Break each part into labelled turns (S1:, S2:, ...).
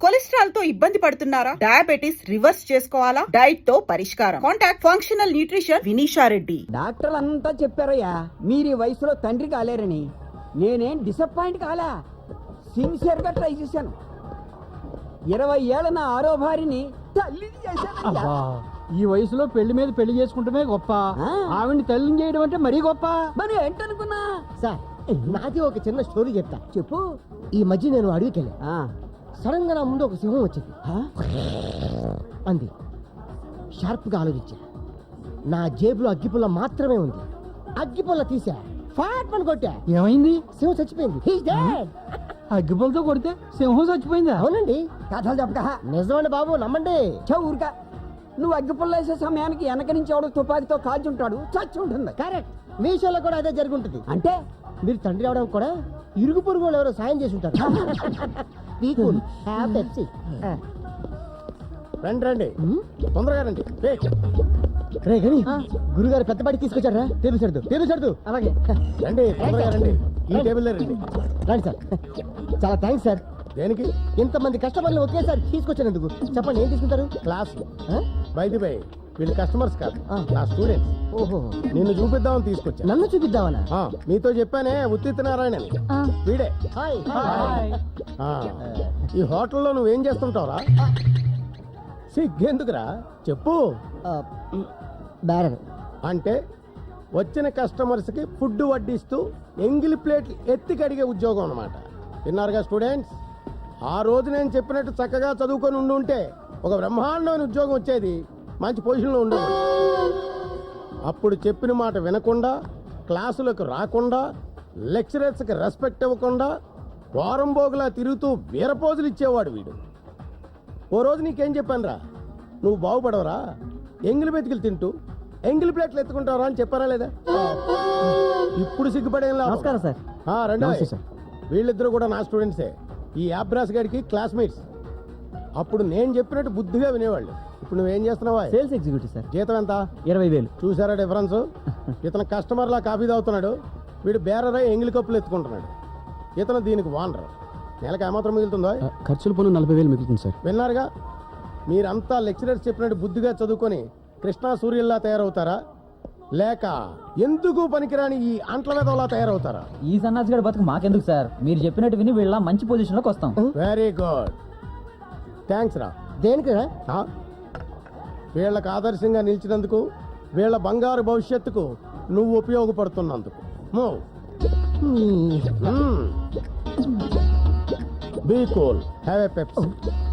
S1: Cholesterol తో ఇబ్బంది పడుతున్నారా? డయాబెటిస్ రివర్స్ చేసుకోవాలా? డైట్ తో పరిష్కారం. Contact functional nutrition Vinisha Reddy.
S2: డాక్టర్లు అంతా చెప్పారయ్యా మీరు ఈ వయసులో తండ్రి కాలేరని. నేనేం డిసప్పాయింట్ కాలా, సిన్సియర్ గా ట్రై చేశాను. 20 ఏళ్ల నా ఆరో భార్యని తల్లిని చేశాను.
S3: ఈ వయసులో పెళ్లి మీద పెళ్లి చేసుకుంటమే గొప్ప, ఆవిడ్ని తల్లిని చేయడం అంటే మరీ గొప్ప.
S2: మరి ఏంటనుకున్నా
S4: సార్, నాది ఒక చిన్న స్టోరీ చెప్తా.
S2: చెప్పు.
S4: ఈ మధ్య నేను అడవికెళ్ళా. సడన్ గా నా ముందు ఒక సింహం వచ్చింది. అంది. షార్ప్ గా ఆలోచించా. నా జేబులో అగ్గిపుల్ల మాత్రమే ఉంది. అగ్గిపుల్ల తీసా, ఫాట్ పని కొట్టా.
S3: ఏమైంది?
S4: సింహం చచ్చిపోయింది. He's dead.
S3: అగ్గిపుల్లతో కొడితే సింహం చచ్చిపోయిందా?
S4: అవునండి.
S2: కథలు చెప్పక.
S4: నిజమండి బాబు, నమ్మండి.
S2: ఊరికా నువ్వు అగ్గిపుల్ల వేసే సమయానికి వెనక నుంచి ఎవడో తుపాకితో కాల్చుంటాడు, చచ్చి ఉంటుంది.
S4: కరెక్ట్. మీ విషయంలో కూడా అదే జరుగుంటుంది.
S2: అంటే
S4: మీరు తండ్రి అవడం కూడా ఇరుగు పొరుగు వాళ్ళు ఎవరో సాయం చేసి ఉంటారు.
S5: రండి రండి, తొందరగా రండి.
S4: రే గని, గురుగారు పెద్ద పాటి తీసుకొచ్చారా? టేబుల్ సర్దు.
S2: అలాగే
S5: రండి, తొందరగా రండి. ఈ టేబుల్ రండి.
S4: రండి సార్. చాలా థ్యాంక్స్ సార్.
S5: దేనికి?
S4: ఇంతమంది కస్టమర్లు ఒకేసారి తీసుకొచ్చినందుకు. చెప్పండి, ఏం తీసుకుంటారు?
S5: క్లాస్ బై వీళ్ళు కస్టమర్స్ కాదు, నా స్టూడెంట్స్.
S4: ఓహో,
S5: నిన్ను చూపిద్దామని తీసుకొచ్చా.
S4: నన్ను చూపిద్దామనా?
S5: మీతో చెప్పానే ఉత్తిత్ నారాయణ అని. వీడే.
S4: హాయ్.
S5: ఈ హోటల్లో నువ్వేం చేస్తుంటావురా? సిగ్గెందుకురా, చెప్పు.
S4: బ్యారర్.
S5: అంటే వచ్చిన కస్టమర్స్కి ఫుడ్ వడ్డిస్తూ ఎంగిలి ప్లేట్లు ఎత్తి కడిగే ఉద్యోగం అన్నమాట. విన్నారుగా స్టూడెంట్స్? ఆ రోజు నేను చెప్పినట్టు చక్కగా చదువుకొని ఉండుంటే ఒక బ్రహ్మాండమైన ఉద్యోగం వచ్చేది, మంచి పొజిషన్లో ఉండేది. అప్పుడు చెప్పిన మాట వినకుండా, క్లాసులకు రాకుండా, లెక్చరర్స్కి రెస్పెక్ట్ ఇవ్వకుండా, వారం బోగులా తిరుగుతూ వీరపోజులు ఇచ్చేవాడు వీడు. ఓ రోజు నీకేం చెప్పాను రా, నువ్వు బాగుపడవరా, ఎంగిలి బతికిలు తింటూ ఎంగిలి ప్లేట్లు ఎత్తుకుంటావరా అని చెప్పారా లేదా? ఇప్పుడు సిగ్గుపడేం లేదు.
S4: నమస్కారం సార్.
S5: రండి సార్. వీళ్ళిద్దరూ కూడా నా స్టూడెంట్సే. ఈ అబ్రాస్ గారికి క్లాస్మేట్స్. అప్పుడు నేను చెప్పినట్టు బుద్ధిగా వినేవాళ్ళు. ఇప్పుడు నువ్వేం చేస్తున్నావా?
S4: Sales executive sir.
S5: జీతం ఎంత?
S4: 20,000.
S5: చూసారా డిఫరెన్స్? ఇతను కస్టమర్లా కాఫీ తాగుతున్నాడు, వీడు బేరరై ఎంగిలి కప్పులు ఎత్తుకుంటున్నాడు. ఇతను దీనికి వానరు. నెలకు ఏమాత్రం మిగులుతుందో?
S3: ఖర్చులు పన్ను 40,000 మిగులుతుంది సార్.
S5: విన్నారుగా? మీరంతా లెక్చరర్స్ చెప్పినట్టు బుద్ధిగా చదువుకొని కృష్ణా సూర్యుల్లా తయారవుతారా, లేక ఎందుకు పనికిరాని ఈ అంట్ల వెదవలా తయారవుతారా?
S6: ఈ సన్నాసిగడ బతుకు మాకెందుకు సార్, మీరు చెప్పినట్టు విని వీళ్ళ మంచి పొజిషన్ లోకి వస్తాం.
S5: వెరీ గుడ్, థ్యాంక్స్ రా.
S4: దేనికి?
S5: వీళ్ళకి ఆదర్శంగా నిలిచినందుకు, వీళ్ళ బంగారు భవిష్యత్తుకు నువ్వు ఉపయోగపడుతున్నందుకు. Be cool, have a Pepsi.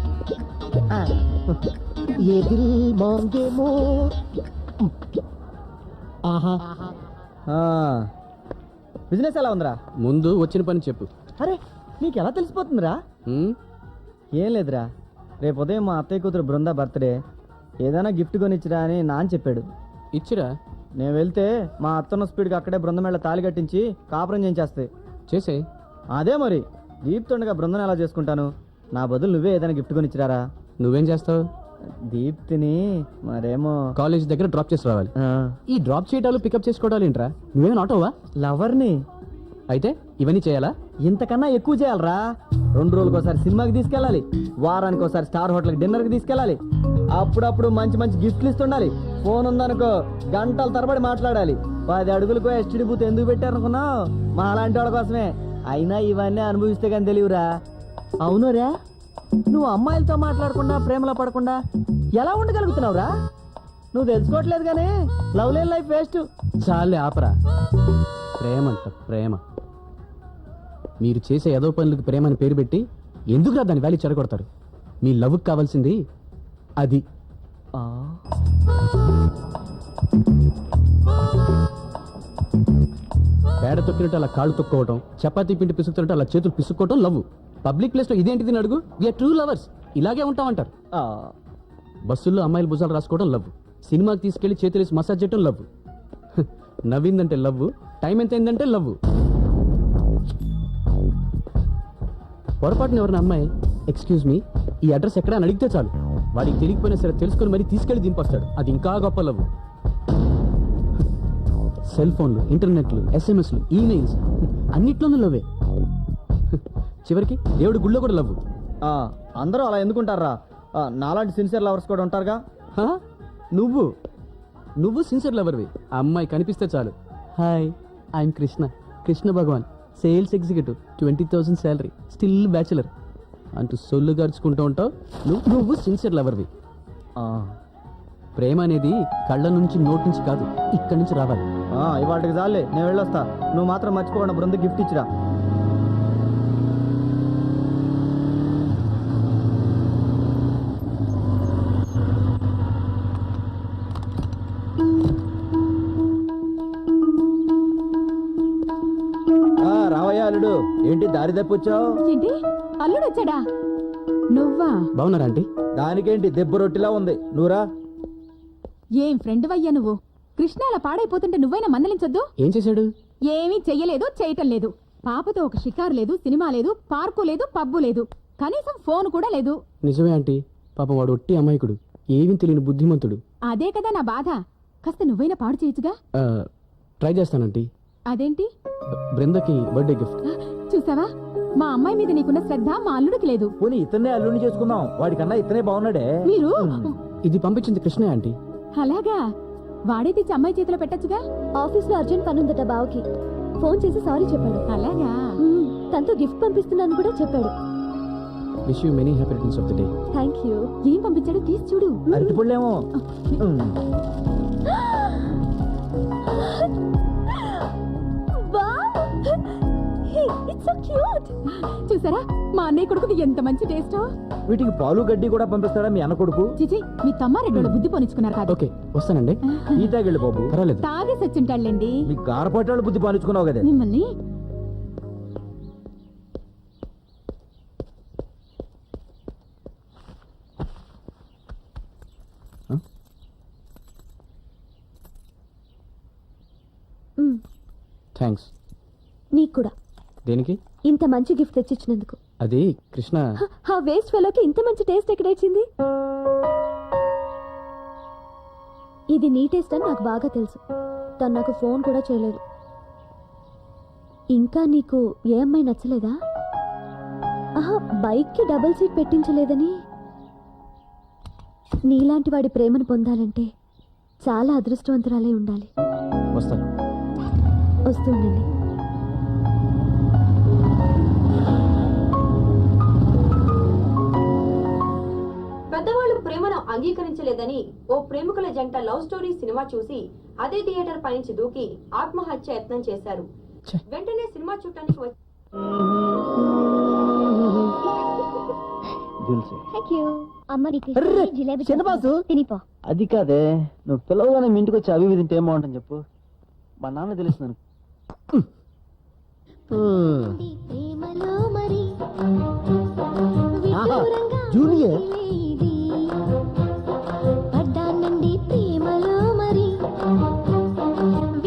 S6: Business ఎలా ఉందిరా?
S3: ముందు వచ్చిన పని చెప్పు.
S6: అరే నీకు ఎలా తెలిసిపోతుందిరా? ఏం లేదురా, రేపు ఉదయం మా అత్తయ్య కూతురు బృంద బర్త్డే, ఏదైనా గిఫ్ట్ కొనిచ్చిరా అని నాన్న చెప్పాడు.
S3: ఇచ్చిరా?
S6: నేను వెళ్తే మా అత్తన్న స్పీడ్గా అక్కడే బృందమేళ తాళి కట్టించి కాపురం చేయించేస్తాయి.
S3: చేసే.
S6: అదే మరి, దీప్తుండగా బృందం ఎలా చేసుకుంటాను? నా బదులు నువ్వే ఏదైనా గిఫ్ట్ కొనిచ్చిరారా?
S3: నువ్వేం చేస్తావు?
S6: దీప్తిని మరేమో
S3: కాలేజ్ దగ్గర డ్రాప్ చేసి రావాలి. ఈ డ్రాప్ చేయటాలు పికప్ చేసుకోవడాలు ఏంట్రా? నువ్వేమైనా ఆటోవా?
S6: లవర్ని.
S3: అయితే ఇవన్నీ చేయాలా?
S6: ఇంతకన్నా ఎక్కువ చేయాలరా. 2 రోజులకు ఒకసారి సినిమాకి తీసుకెళ్ళాలి, వారానికి ఒకసారి స్టార్ హోటల్కి డిన్నర్కి తీసుకెళ్ళాలి, అప్పుడప్పుడు మంచి మంచి గిఫ్ట్లు ఇస్తుండాలి. ఫోన్ ఉందనుకో గంటల తరబడి మాట్లాడాలి. 10 అడుగులకు ఎస్టీడీ బూత్ ఎందుకు పెట్టారనుకున్నావు? మా అలాంటి వాళ్ళ కోసమే. అయినా ఇవన్నీ అనుభవిస్తే కానీ తెలియరా. అవునురా, నువ్వు అమ్మాయిలతో మాట్లాడకుండా ప్రేమలో పడకుండా ఎలా ఉండగలుగుతున్నావురా? నువ్వు తెలుసుకోవట్లేదు కానీ లవ్ లేని లైఫ్ వేస్ట్.
S3: చాలే ఆపరా. ప్రేమ అంట ప్రేమ. మీరు చేసే ఏదో పనులకు ప్రేమ అని పేరు పెట్టి ఎందుకురా దాని వాల్యూ చెడగొడతారు? మీ లవ్కి కావాల్సింది అది. పేడ తొక్కినట్టు అలా కాళ్ళు తొక్కోవటం, చపాతీ పిండి పిసుకుతున్నట్టు అలా చేతులు పిసుక్కోవటం లవ్. పబ్లిక్ ప్లేస్ లో ఇదేంటిది అడుగు. వీఆర్ ట్రూ లవర్స్, ఇలాగే ఉంటామంటారు. బస్సుల్లో అమ్మాయిలు భుజాలు రాసుకోవడం లవ్, సినిమాకి తీసుకెళ్లి చేతులేసి మసాజ్ చేయడం లవ్, నవ్విందంటే లవ్, టైం ఎంత అయిందంటే లవ్. పొరపాటున ఎవరిన అమ్మాయి ఎక్స్క్యూజ్ మీ ఈ అడ్రస్ ఎక్కడ అని అడిగితే చాలు, వాడికి తెలియకపోయినా సరే తెలుసుకొని మరీ తీసుకెళ్లి దింపొస్తాడు. అది ఇంకా గొప్ప లవ్. సెల్ ఫోన్లు, ఇంటర్నెట్లు, ఎస్ఎంఎస్లు, ఈమెయిల్స్ అన్నిట్లోనూ లవ్వే. చివరికి దేవుడి గుళ్ళో కూడా లవ్.
S6: అందరూ అలా ఎందుకుంటారా? నాలాంటి సిన్సియర్ లవర్స్ కూడా ఉంటారుగా.
S3: హా? నువ్వు సిన్సియర్ లవర్వి. ఆ అమ్మాయి కనిపిస్తే చాలు, hi I am Krishna, Krishna Bhagavan, sales executive, 20,000 salary, still bachelor అంటూ సొల్లు గడుచుకుంటూ ఉంటావు. నువ్వు సిన్సియర్ లవర్వి. ప్రేమ అనేది కళ్ళ నుంచి నోటి నుంచి కాదు, ఇక్కడి నుంచి రావాలి.
S6: ఇవాటికి చాలే, నేను వెళ్ళొస్తా. నువ్వు మాత్రం మర్చిపోకుండా బృంద గిఫ్ట్ ఇచ్చిరా. రావయ్యా అల్లుడు, ఏంటి దారి తప్పొచ్చావు?
S7: ఏంటి అల్లుడు వచ్చాడా? నువ్వా?
S3: బాగున్నారా ఆంటీ?
S6: దానికేంటి దెబ్బ రొట్టిలా ఉంది, నువ్వురా.
S7: ఏం ఫ్రెండ్ అయ్యా నువ్వు. కృష్ణ అలా పాడైపోతుంటే నువ్వైనా మందలించొద్దు.
S3: ఏం చేశాడు?
S7: ఏమీ చెయ్యలేదు, చేయటం లేదు. పాపతో ఒక షికారు లేదు, సినిమా లేదు, పార్కు లేదు, పబ్బు లేదు, కనీసం ఫోన్ కూడా లేదు.
S3: నిజమే ఆంటీ, పాపం వాడు ఒట్టి అమాయకుడు, ఏమీ తెలియని బుద్ధిమంతుడు.
S7: అదే కదా నా బాధ. కాస్త నువ్వైనా పాడు చేయొచ్చుగా.
S3: ట్రై చేస్తానంటీ.
S7: అదేంటి?
S3: బృందకి బర్త్డే గిఫ్ట్.
S7: చూసావా, మా అమ్మాయి మీద నీకున్న శ్రద్ధ మా అల్లుడికి లేదు.
S6: పోనీ ఇతన్నే అల్లుడిని చేసుకుందాం, వాడికన్నా ఇతనే బాగున్నాడే.
S7: మీరు
S3: ఇది పంపించింది కృష్ణ ఆంటీ.
S7: అలాగా? వాడే తెచ్చి అమ్మాయి చేతిలో పెట్టచ్చుగా.
S8: ఆఫీస్ లో అర్జెంట్ పని ఉందట బావకి. ఫోన్ చేసి సారీ చెప్పాడు.
S7: అలాగా?
S8: తనతో గిఫ్ట్ పంపిస్తున్నాను కూడా చెప్పాడు.
S3: Wish you many happy returns of the day.
S8: Thank you.
S7: ఏం పంపించాడో తీసి చూడు.
S6: అరటిపళ్ళేమో.
S7: చూసారా మా అన్నయ్య కొడుకుది ఎంత మంచి టేస్ట్.
S6: వీటికి పాలు గడ్డి కూడా పంపిస్తాడా మీ అన్న కొడుకు?
S7: చిచి, మీ తమ్మారెడ్డోళ్ళు బుద్ధి పోనిచ్చుకున్నారు కాదు.
S3: ఓకే వస్తానండి.
S6: ఈ తాగిళ్ళు బాబు.
S3: పర్వాలేదు.
S7: తాగేసి వచ్చింటాళ్ళండి.
S6: మీ గారపట్టాడు బుద్ధి పాలించుకున్నావు కదా.
S7: మిమ్మల్ని
S3: థ్యాంక్స్.
S8: నీకు కూడా.
S3: దేనికి?
S8: ఇంత మంచి గిఫ్ట్ తెచ్చిచ్చినందుకు.
S3: అది కృష్ణ.
S8: ఆ వేస్ట్ ఫెలోకి ఇంత మంచి టేస్ట్ ఎక్కడొచ్చింది? ఇది నీ టేస్ట్ అని నాకు బాగా తెలుసు. తను నాకు ఫోన్ కూడా చేయలేదు. ఇంకా నీకు ఏ అమ్మాయి నచ్చలేదా? ఆహా, బైక్కి డబుల్ సీట్ పెట్టించలేదని. నీలాంటి వాడి ప్రేమను పొందాలంటే చాలా అదృష్టవంతురాలే ఉండాలి.
S3: వస్తాను.
S8: వస్తూ ఉండండి.
S9: పెద్దవాళ్ళు ప్రేమను అంగీకరించలేదని ఓ ప్రేమికుల జంట లవ్ స్టోరీ సినిమా చూసి అదే థియేటర్ పైనుంచి దూకి ఆత్మహత్య యత్నం చేశారు. వెంటనే సినిమా చూడటానికి
S6: అది కాదే, నువ్వు పిల్లవగానే మీ ఇంటికి వచ్చి అవి తింటే ఏం బాగుంటుంది చెప్పు. మా నాన్న తెలుస్తున్నాను.
S4: జూనియర్